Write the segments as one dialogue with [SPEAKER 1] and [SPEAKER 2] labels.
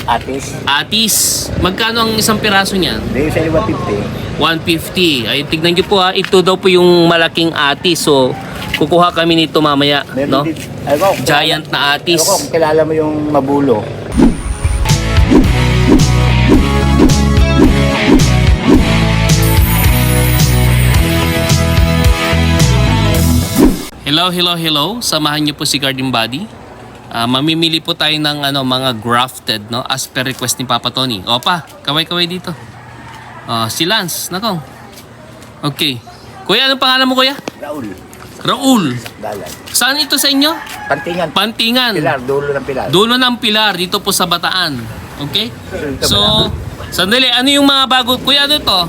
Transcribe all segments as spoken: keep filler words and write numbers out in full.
[SPEAKER 1] Atis.
[SPEAKER 2] Atis. Magkano ang isang piraso niyan?
[SPEAKER 1] Dahil sa one fifty.
[SPEAKER 2] one fifty. Ay, tignan nyo po ha. Ito daw po yung malaking atis. So, kukuha kami nito mamaya. No?
[SPEAKER 1] Din, ko,
[SPEAKER 2] Giant na atis.
[SPEAKER 1] Ako, kung kilala mo yung mabulo.
[SPEAKER 2] Hello, hello, hello. Samahan niyo po si Garden Body. Uh, mamimili po tayo ng ano, mga grafted, no? As per request ni Papa Tony. Opa, kaway-kaway dito. Uh, si Lance, nako. Okay. Kuya, anong pangalan mo, kuya?
[SPEAKER 1] Raul.
[SPEAKER 2] Raul.
[SPEAKER 1] Dalan.
[SPEAKER 2] Saan ito sa inyo?
[SPEAKER 1] Pantingan.
[SPEAKER 2] Pantingan.
[SPEAKER 1] Pilar, dulo ng pilar.
[SPEAKER 2] Dulo ng Pilar, dito po sa Bataan. Okay? So, sandali, ano yung mga bago? Kuya, ano to?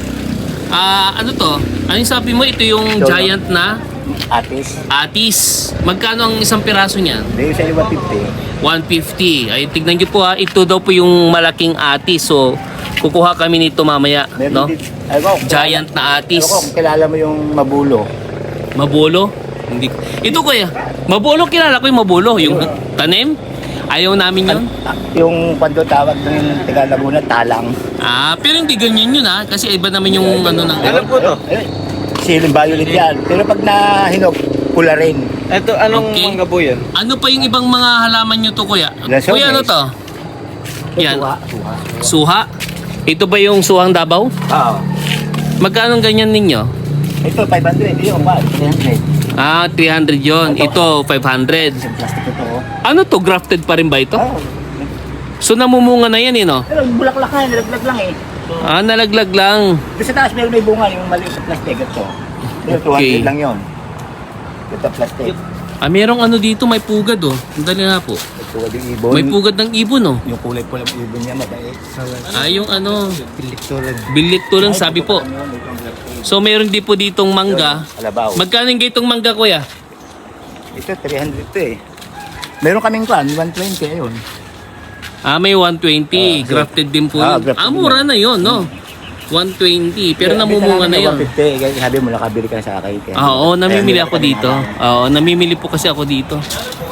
[SPEAKER 2] Ah, ano to? Ano yung sabi mo? Ito yung giant na
[SPEAKER 1] Atis.
[SPEAKER 2] atis. Magkano ang isang piraso niyan?
[SPEAKER 1] Dahil sa one fifty.
[SPEAKER 2] one fifty. Ay, tignan nyo po ha. Ito daw po yung malaking atis. So, kukuha kami nito mamaya. No?
[SPEAKER 1] Din, ko,
[SPEAKER 2] Giant na atis.
[SPEAKER 1] Ako, kung kilala mo yung mabulo.
[SPEAKER 2] Mabulo? Hindi. Ito kuya. Mabulo, kilala ko yung mabulo. Yung tanim. Ayaw namin yun.
[SPEAKER 1] Ah, yung kwento tawag ng Taga Laguna, talang.
[SPEAKER 2] Ah, pero hindi ganyan yun ha. Kasi iba naman yung ano ng...
[SPEAKER 1] Alam ko to. Siling violet yan. Pero pag nahinog, pula rin.
[SPEAKER 3] Ito, anong
[SPEAKER 2] Okay.
[SPEAKER 3] mangga po yan?
[SPEAKER 2] Ano pa yung ibang mga halaman nyo to kuya?
[SPEAKER 1] Lasones.
[SPEAKER 2] Kuya, ano to? Yan.
[SPEAKER 1] Suha, suha.
[SPEAKER 2] Suha? Ito ba yung suhang Davao?
[SPEAKER 1] Oo.
[SPEAKER 2] Magkano ganyan ninyo?
[SPEAKER 1] Ito, five hundred. Yung ba? three hundred.
[SPEAKER 2] Ah, three hundred yon. Ito, five hundred.
[SPEAKER 1] Isang plastic ito. Oh.
[SPEAKER 2] Ano to? Grafted pa rin ba ito?
[SPEAKER 1] Oo.
[SPEAKER 2] So, namumunga na yan eh, no?
[SPEAKER 1] Pero bulaklak na, nalaglag lang eh.
[SPEAKER 2] Ah, nalaglag lang.
[SPEAKER 1] Doon sa taas meron may bunga, yung maliit sa plastic. Ito. Pero two hundred
[SPEAKER 2] Okay.
[SPEAKER 1] lang yun. Ito plastic.
[SPEAKER 2] Ah, merong ano dito, may pugad oh. Ang dali nga po.
[SPEAKER 1] Ito yung ibon.
[SPEAKER 2] May pugad ng ibon oh.
[SPEAKER 1] Yung kulay pula ng ibon niya, mabait.
[SPEAKER 2] Ah, yung ano,
[SPEAKER 1] Pilikturan.
[SPEAKER 2] bilik to lang sabi po. So, meron din po ditong mangga.
[SPEAKER 1] Alabaw.
[SPEAKER 2] Magkano yung gatong mangga, kuya?
[SPEAKER 1] Ito, three hundred to eh. Meron kaming kwan, one twenty ayun.
[SPEAKER 2] Ah, may one twenty.
[SPEAKER 1] Ah,
[SPEAKER 2] Grafted din po
[SPEAKER 1] ah,
[SPEAKER 2] yun.
[SPEAKER 1] grafted
[SPEAKER 2] Ah,
[SPEAKER 1] din
[SPEAKER 2] mura na yun, no? one twenty. Pero namumunga na yun.
[SPEAKER 1] one fifty, kaya sabi mo nakabili ka sa akin. Kaya-
[SPEAKER 2] Ah, oo, namimili
[SPEAKER 1] kaya
[SPEAKER 2] ako
[SPEAKER 1] kami
[SPEAKER 2] dito.
[SPEAKER 1] nakakain.
[SPEAKER 2] Oo, namimili po kasi ako dito.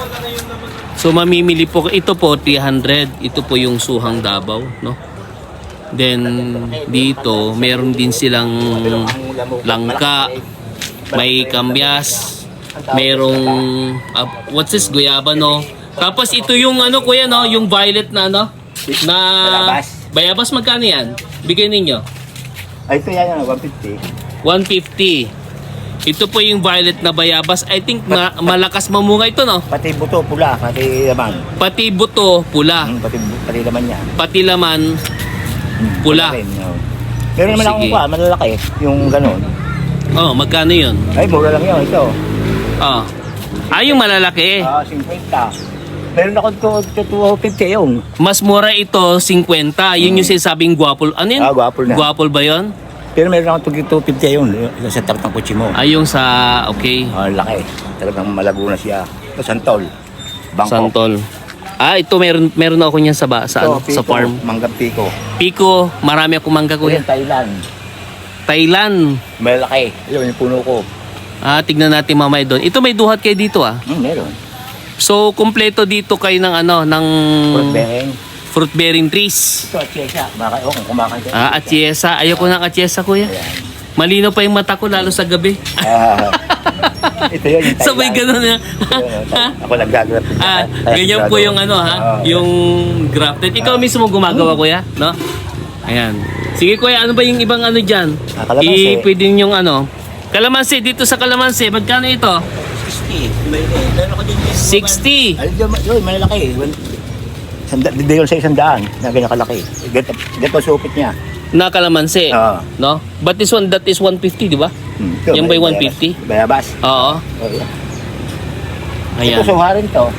[SPEAKER 2] So, mamimili po. Ito po, three hundred. Ito po yung suhang Davao, no? Then, dito, meron din silang langka. May kambyas. Merong, ah, what's this? Guyaba, no? Tapos, ito yung ano, kuya, no? Yung violet na, ano? Na,
[SPEAKER 1] Bayabas.
[SPEAKER 2] bayabas, magkano yan? Bigay ninyo.
[SPEAKER 1] Ay, ito yan, one fifty.
[SPEAKER 2] one fifty. Ito po yung violet na bayabas. I think ma- malakas mamunga ito, no?
[SPEAKER 1] Pati buto, pula, pati laman.
[SPEAKER 2] Pati buto, pula.
[SPEAKER 1] Hmm, pati, pati laman niya.
[SPEAKER 2] Pati laman,
[SPEAKER 1] Hmm,
[SPEAKER 2] pula.
[SPEAKER 1] rin, no. Pero naman
[SPEAKER 2] Sige.
[SPEAKER 1] akong pa, malalaki. Yung ganun.
[SPEAKER 2] Oh, magkano yun?
[SPEAKER 1] Ay, mura lang yun, ito.
[SPEAKER 2] Oh. Ah, yung malalaki.
[SPEAKER 1] Ah, fifty. Meron ako to two fifty yung.
[SPEAKER 2] Mas mura ito, fifty. Yun yung sinasabing guwapol. Ano yun?
[SPEAKER 1] Ah, guwapol na.
[SPEAKER 2] Guwapol ba yun?
[SPEAKER 1] Pero meron ako two fifty yung. Yung sa tapat ng kutsi mo.
[SPEAKER 2] Ah, yung sa, okay.
[SPEAKER 1] Ah, laki. Talagang malago na siya. Ito, santol. Bangkok.
[SPEAKER 2] Santol. Ah, ito meron meron ako niyan sa ba, sa,
[SPEAKER 1] Ito,
[SPEAKER 2] ano, sa
[SPEAKER 1] Pico,
[SPEAKER 2] farm.
[SPEAKER 1] Manggang Pico.
[SPEAKER 2] Pico, marami akong mangga,
[SPEAKER 1] Ito
[SPEAKER 2] kuya.
[SPEAKER 1] yung Thailand.
[SPEAKER 2] Thailand.
[SPEAKER 1] Malaki. Ayun, yung puno ko.
[SPEAKER 2] Ah, tignan natin mamaya doon. Ito may duhat kayo dito, ah.
[SPEAKER 1] Hmm, meron.
[SPEAKER 2] So, kumpleto dito kayo ng ano, ng
[SPEAKER 1] Fruit bearing.
[SPEAKER 2] fruit bearing trees.
[SPEAKER 1] Ito, atsyesa. Baka, oh, kung kumakain ka.
[SPEAKER 2] Ah, atyesa. Ayoko ng atyesa, kuya.
[SPEAKER 1] Ayan.
[SPEAKER 2] Malino pa yung mata ko, lalo sa gabi.
[SPEAKER 1] Ah, ito yun, yung Thailand.
[SPEAKER 2] Sabay ganun na.
[SPEAKER 1] Ako nag-grafted.
[SPEAKER 2] Ah, ganyan po yung ano ha,
[SPEAKER 1] Ah.
[SPEAKER 2] yung grafted. Ikaw mismo gumagawa, kuya, no? Ayan. Sige, kuya, ano ba yung ibang ano dyan?
[SPEAKER 1] Ah, kalamansi.
[SPEAKER 2] I, pwede yung ano. Kalamansi, dito sa kalamansi, magkano ito?
[SPEAKER 1] sixty. May, meron ako din.
[SPEAKER 2] sixty.
[SPEAKER 1] Ay, yun, yun, malalaki. Sanda, di yun sa isang daan na ganyan kalaki. Ganito, ganito supit niya.
[SPEAKER 2] Na kalamansi,
[SPEAKER 1] Oo.
[SPEAKER 2] no? But this one, that is one fifty, di ba?
[SPEAKER 1] Hmm, ito,
[SPEAKER 2] Yan
[SPEAKER 1] may
[SPEAKER 2] ba yung
[SPEAKER 1] bayabas.
[SPEAKER 2] one fifty?
[SPEAKER 1] Bayabas.
[SPEAKER 2] Oo.
[SPEAKER 1] Oh, yeah.
[SPEAKER 2] Ayan.
[SPEAKER 1] Ito, suharin to.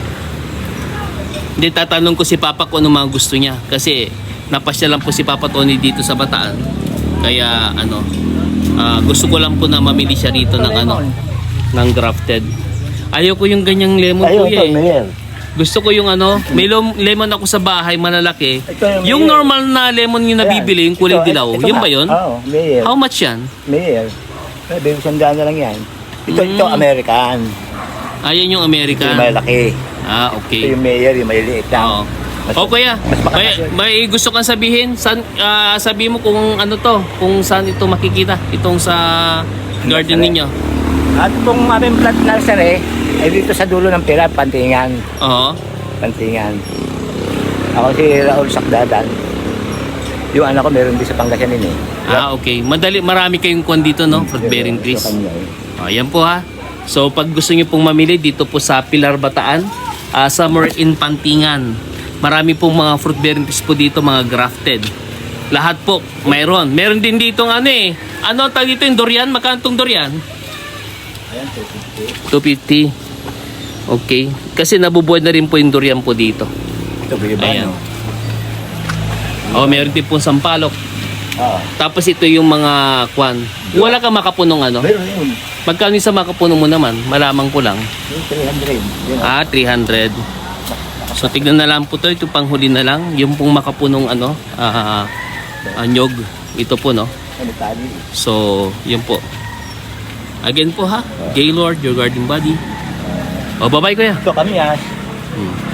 [SPEAKER 2] Hindi, tatanong ko si Papa kung ano mga gusto niya. Kasi, napasya lang po si Papa Tony dito sa Bataan. Kaya, ano, ah, gusto ko lang po na mamili siya rito ng ano, ng grafted. Ayaw ko yung ganyang lemon,
[SPEAKER 1] Ayun,
[SPEAKER 2] kuya
[SPEAKER 1] ito,
[SPEAKER 2] eh.
[SPEAKER 1] Mayer.
[SPEAKER 2] Gusto ko yung ano, may lom- lemon ako sa bahay, malalaki.
[SPEAKER 1] Ito yung
[SPEAKER 2] Yung
[SPEAKER 1] Mayer.
[SPEAKER 2] normal na lemon yung nabibili, yung kulay
[SPEAKER 1] Ito,
[SPEAKER 2] dilaw.
[SPEAKER 1] ito
[SPEAKER 2] Yun
[SPEAKER 1] nga.
[SPEAKER 2] ba yun?
[SPEAKER 1] Oo, Mayer.
[SPEAKER 2] How much yan?
[SPEAKER 1] Mayer. Ay, baby, sandaan na lang yan. Ito,
[SPEAKER 2] Mm.
[SPEAKER 1] ito, American.
[SPEAKER 2] Ayan yung
[SPEAKER 1] Ito
[SPEAKER 2] American.
[SPEAKER 1] yung malaki.
[SPEAKER 2] Ah,
[SPEAKER 1] Ito
[SPEAKER 2] okay.
[SPEAKER 1] yung Mayer, yung maliliit lang.
[SPEAKER 2] Oo.
[SPEAKER 1] Mas,
[SPEAKER 2] O kuya,
[SPEAKER 1] mas
[SPEAKER 2] may,
[SPEAKER 1] makakasya.
[SPEAKER 2] may gusto kang sabihin? San, ah, sabihin mo kung ano to, kung saan ito makikita, itong sa garden ninyo.
[SPEAKER 1] At kung aming plant nursery, ay dito sa dulo ng pila, Pantingan.
[SPEAKER 2] Oo.
[SPEAKER 1] Pantingan. Ako si Raul Sakdadan. Yung anak ko meron din sa Pangasinan eh.
[SPEAKER 2] Ah, okay. Madali, marami kayong kwan dito, no? Fruit bearing trees.
[SPEAKER 1] Sa kanya, eh.
[SPEAKER 2] Ayan po ha. So pag gusto niyo pong mamili dito po sa Pilar Bataan, uh, somewhere in Pantingan. Marami pong mga fruit bearing trees po dito, mga grafted. Lahat po, mayroon. Meron din dito ng ano eh. Ano ang tawag dito yung durian? Magkano tong durian?
[SPEAKER 1] Ayan, two fifty.
[SPEAKER 2] two fifty. Okay. Kasi nabubuhay na rin po yung durian po dito.
[SPEAKER 1] Ito, biba,
[SPEAKER 2] Ayan.
[SPEAKER 1] no?
[SPEAKER 2] Oh, meron din po sampalok.
[SPEAKER 1] Oo.
[SPEAKER 2] Tapos ito yung mga kwan. Wala ka makapunong ano?
[SPEAKER 1] Meron yun.
[SPEAKER 2] Magkano yung sa makapunong mo naman? Malamang ko lang.
[SPEAKER 1] Yung three hundred. Yun.
[SPEAKER 2] Ah, three hundred. So tignan na lang po to, ito panghuli na lang, yung pong makapunong ano, ah, ah, nyog. Ito po no.
[SPEAKER 1] Ano tali?
[SPEAKER 2] So, yun po. Again po ha, Gaylord, your garden buddy. O, bye-bye kuya.
[SPEAKER 1] Ito kami ah.
[SPEAKER 2] Hmm.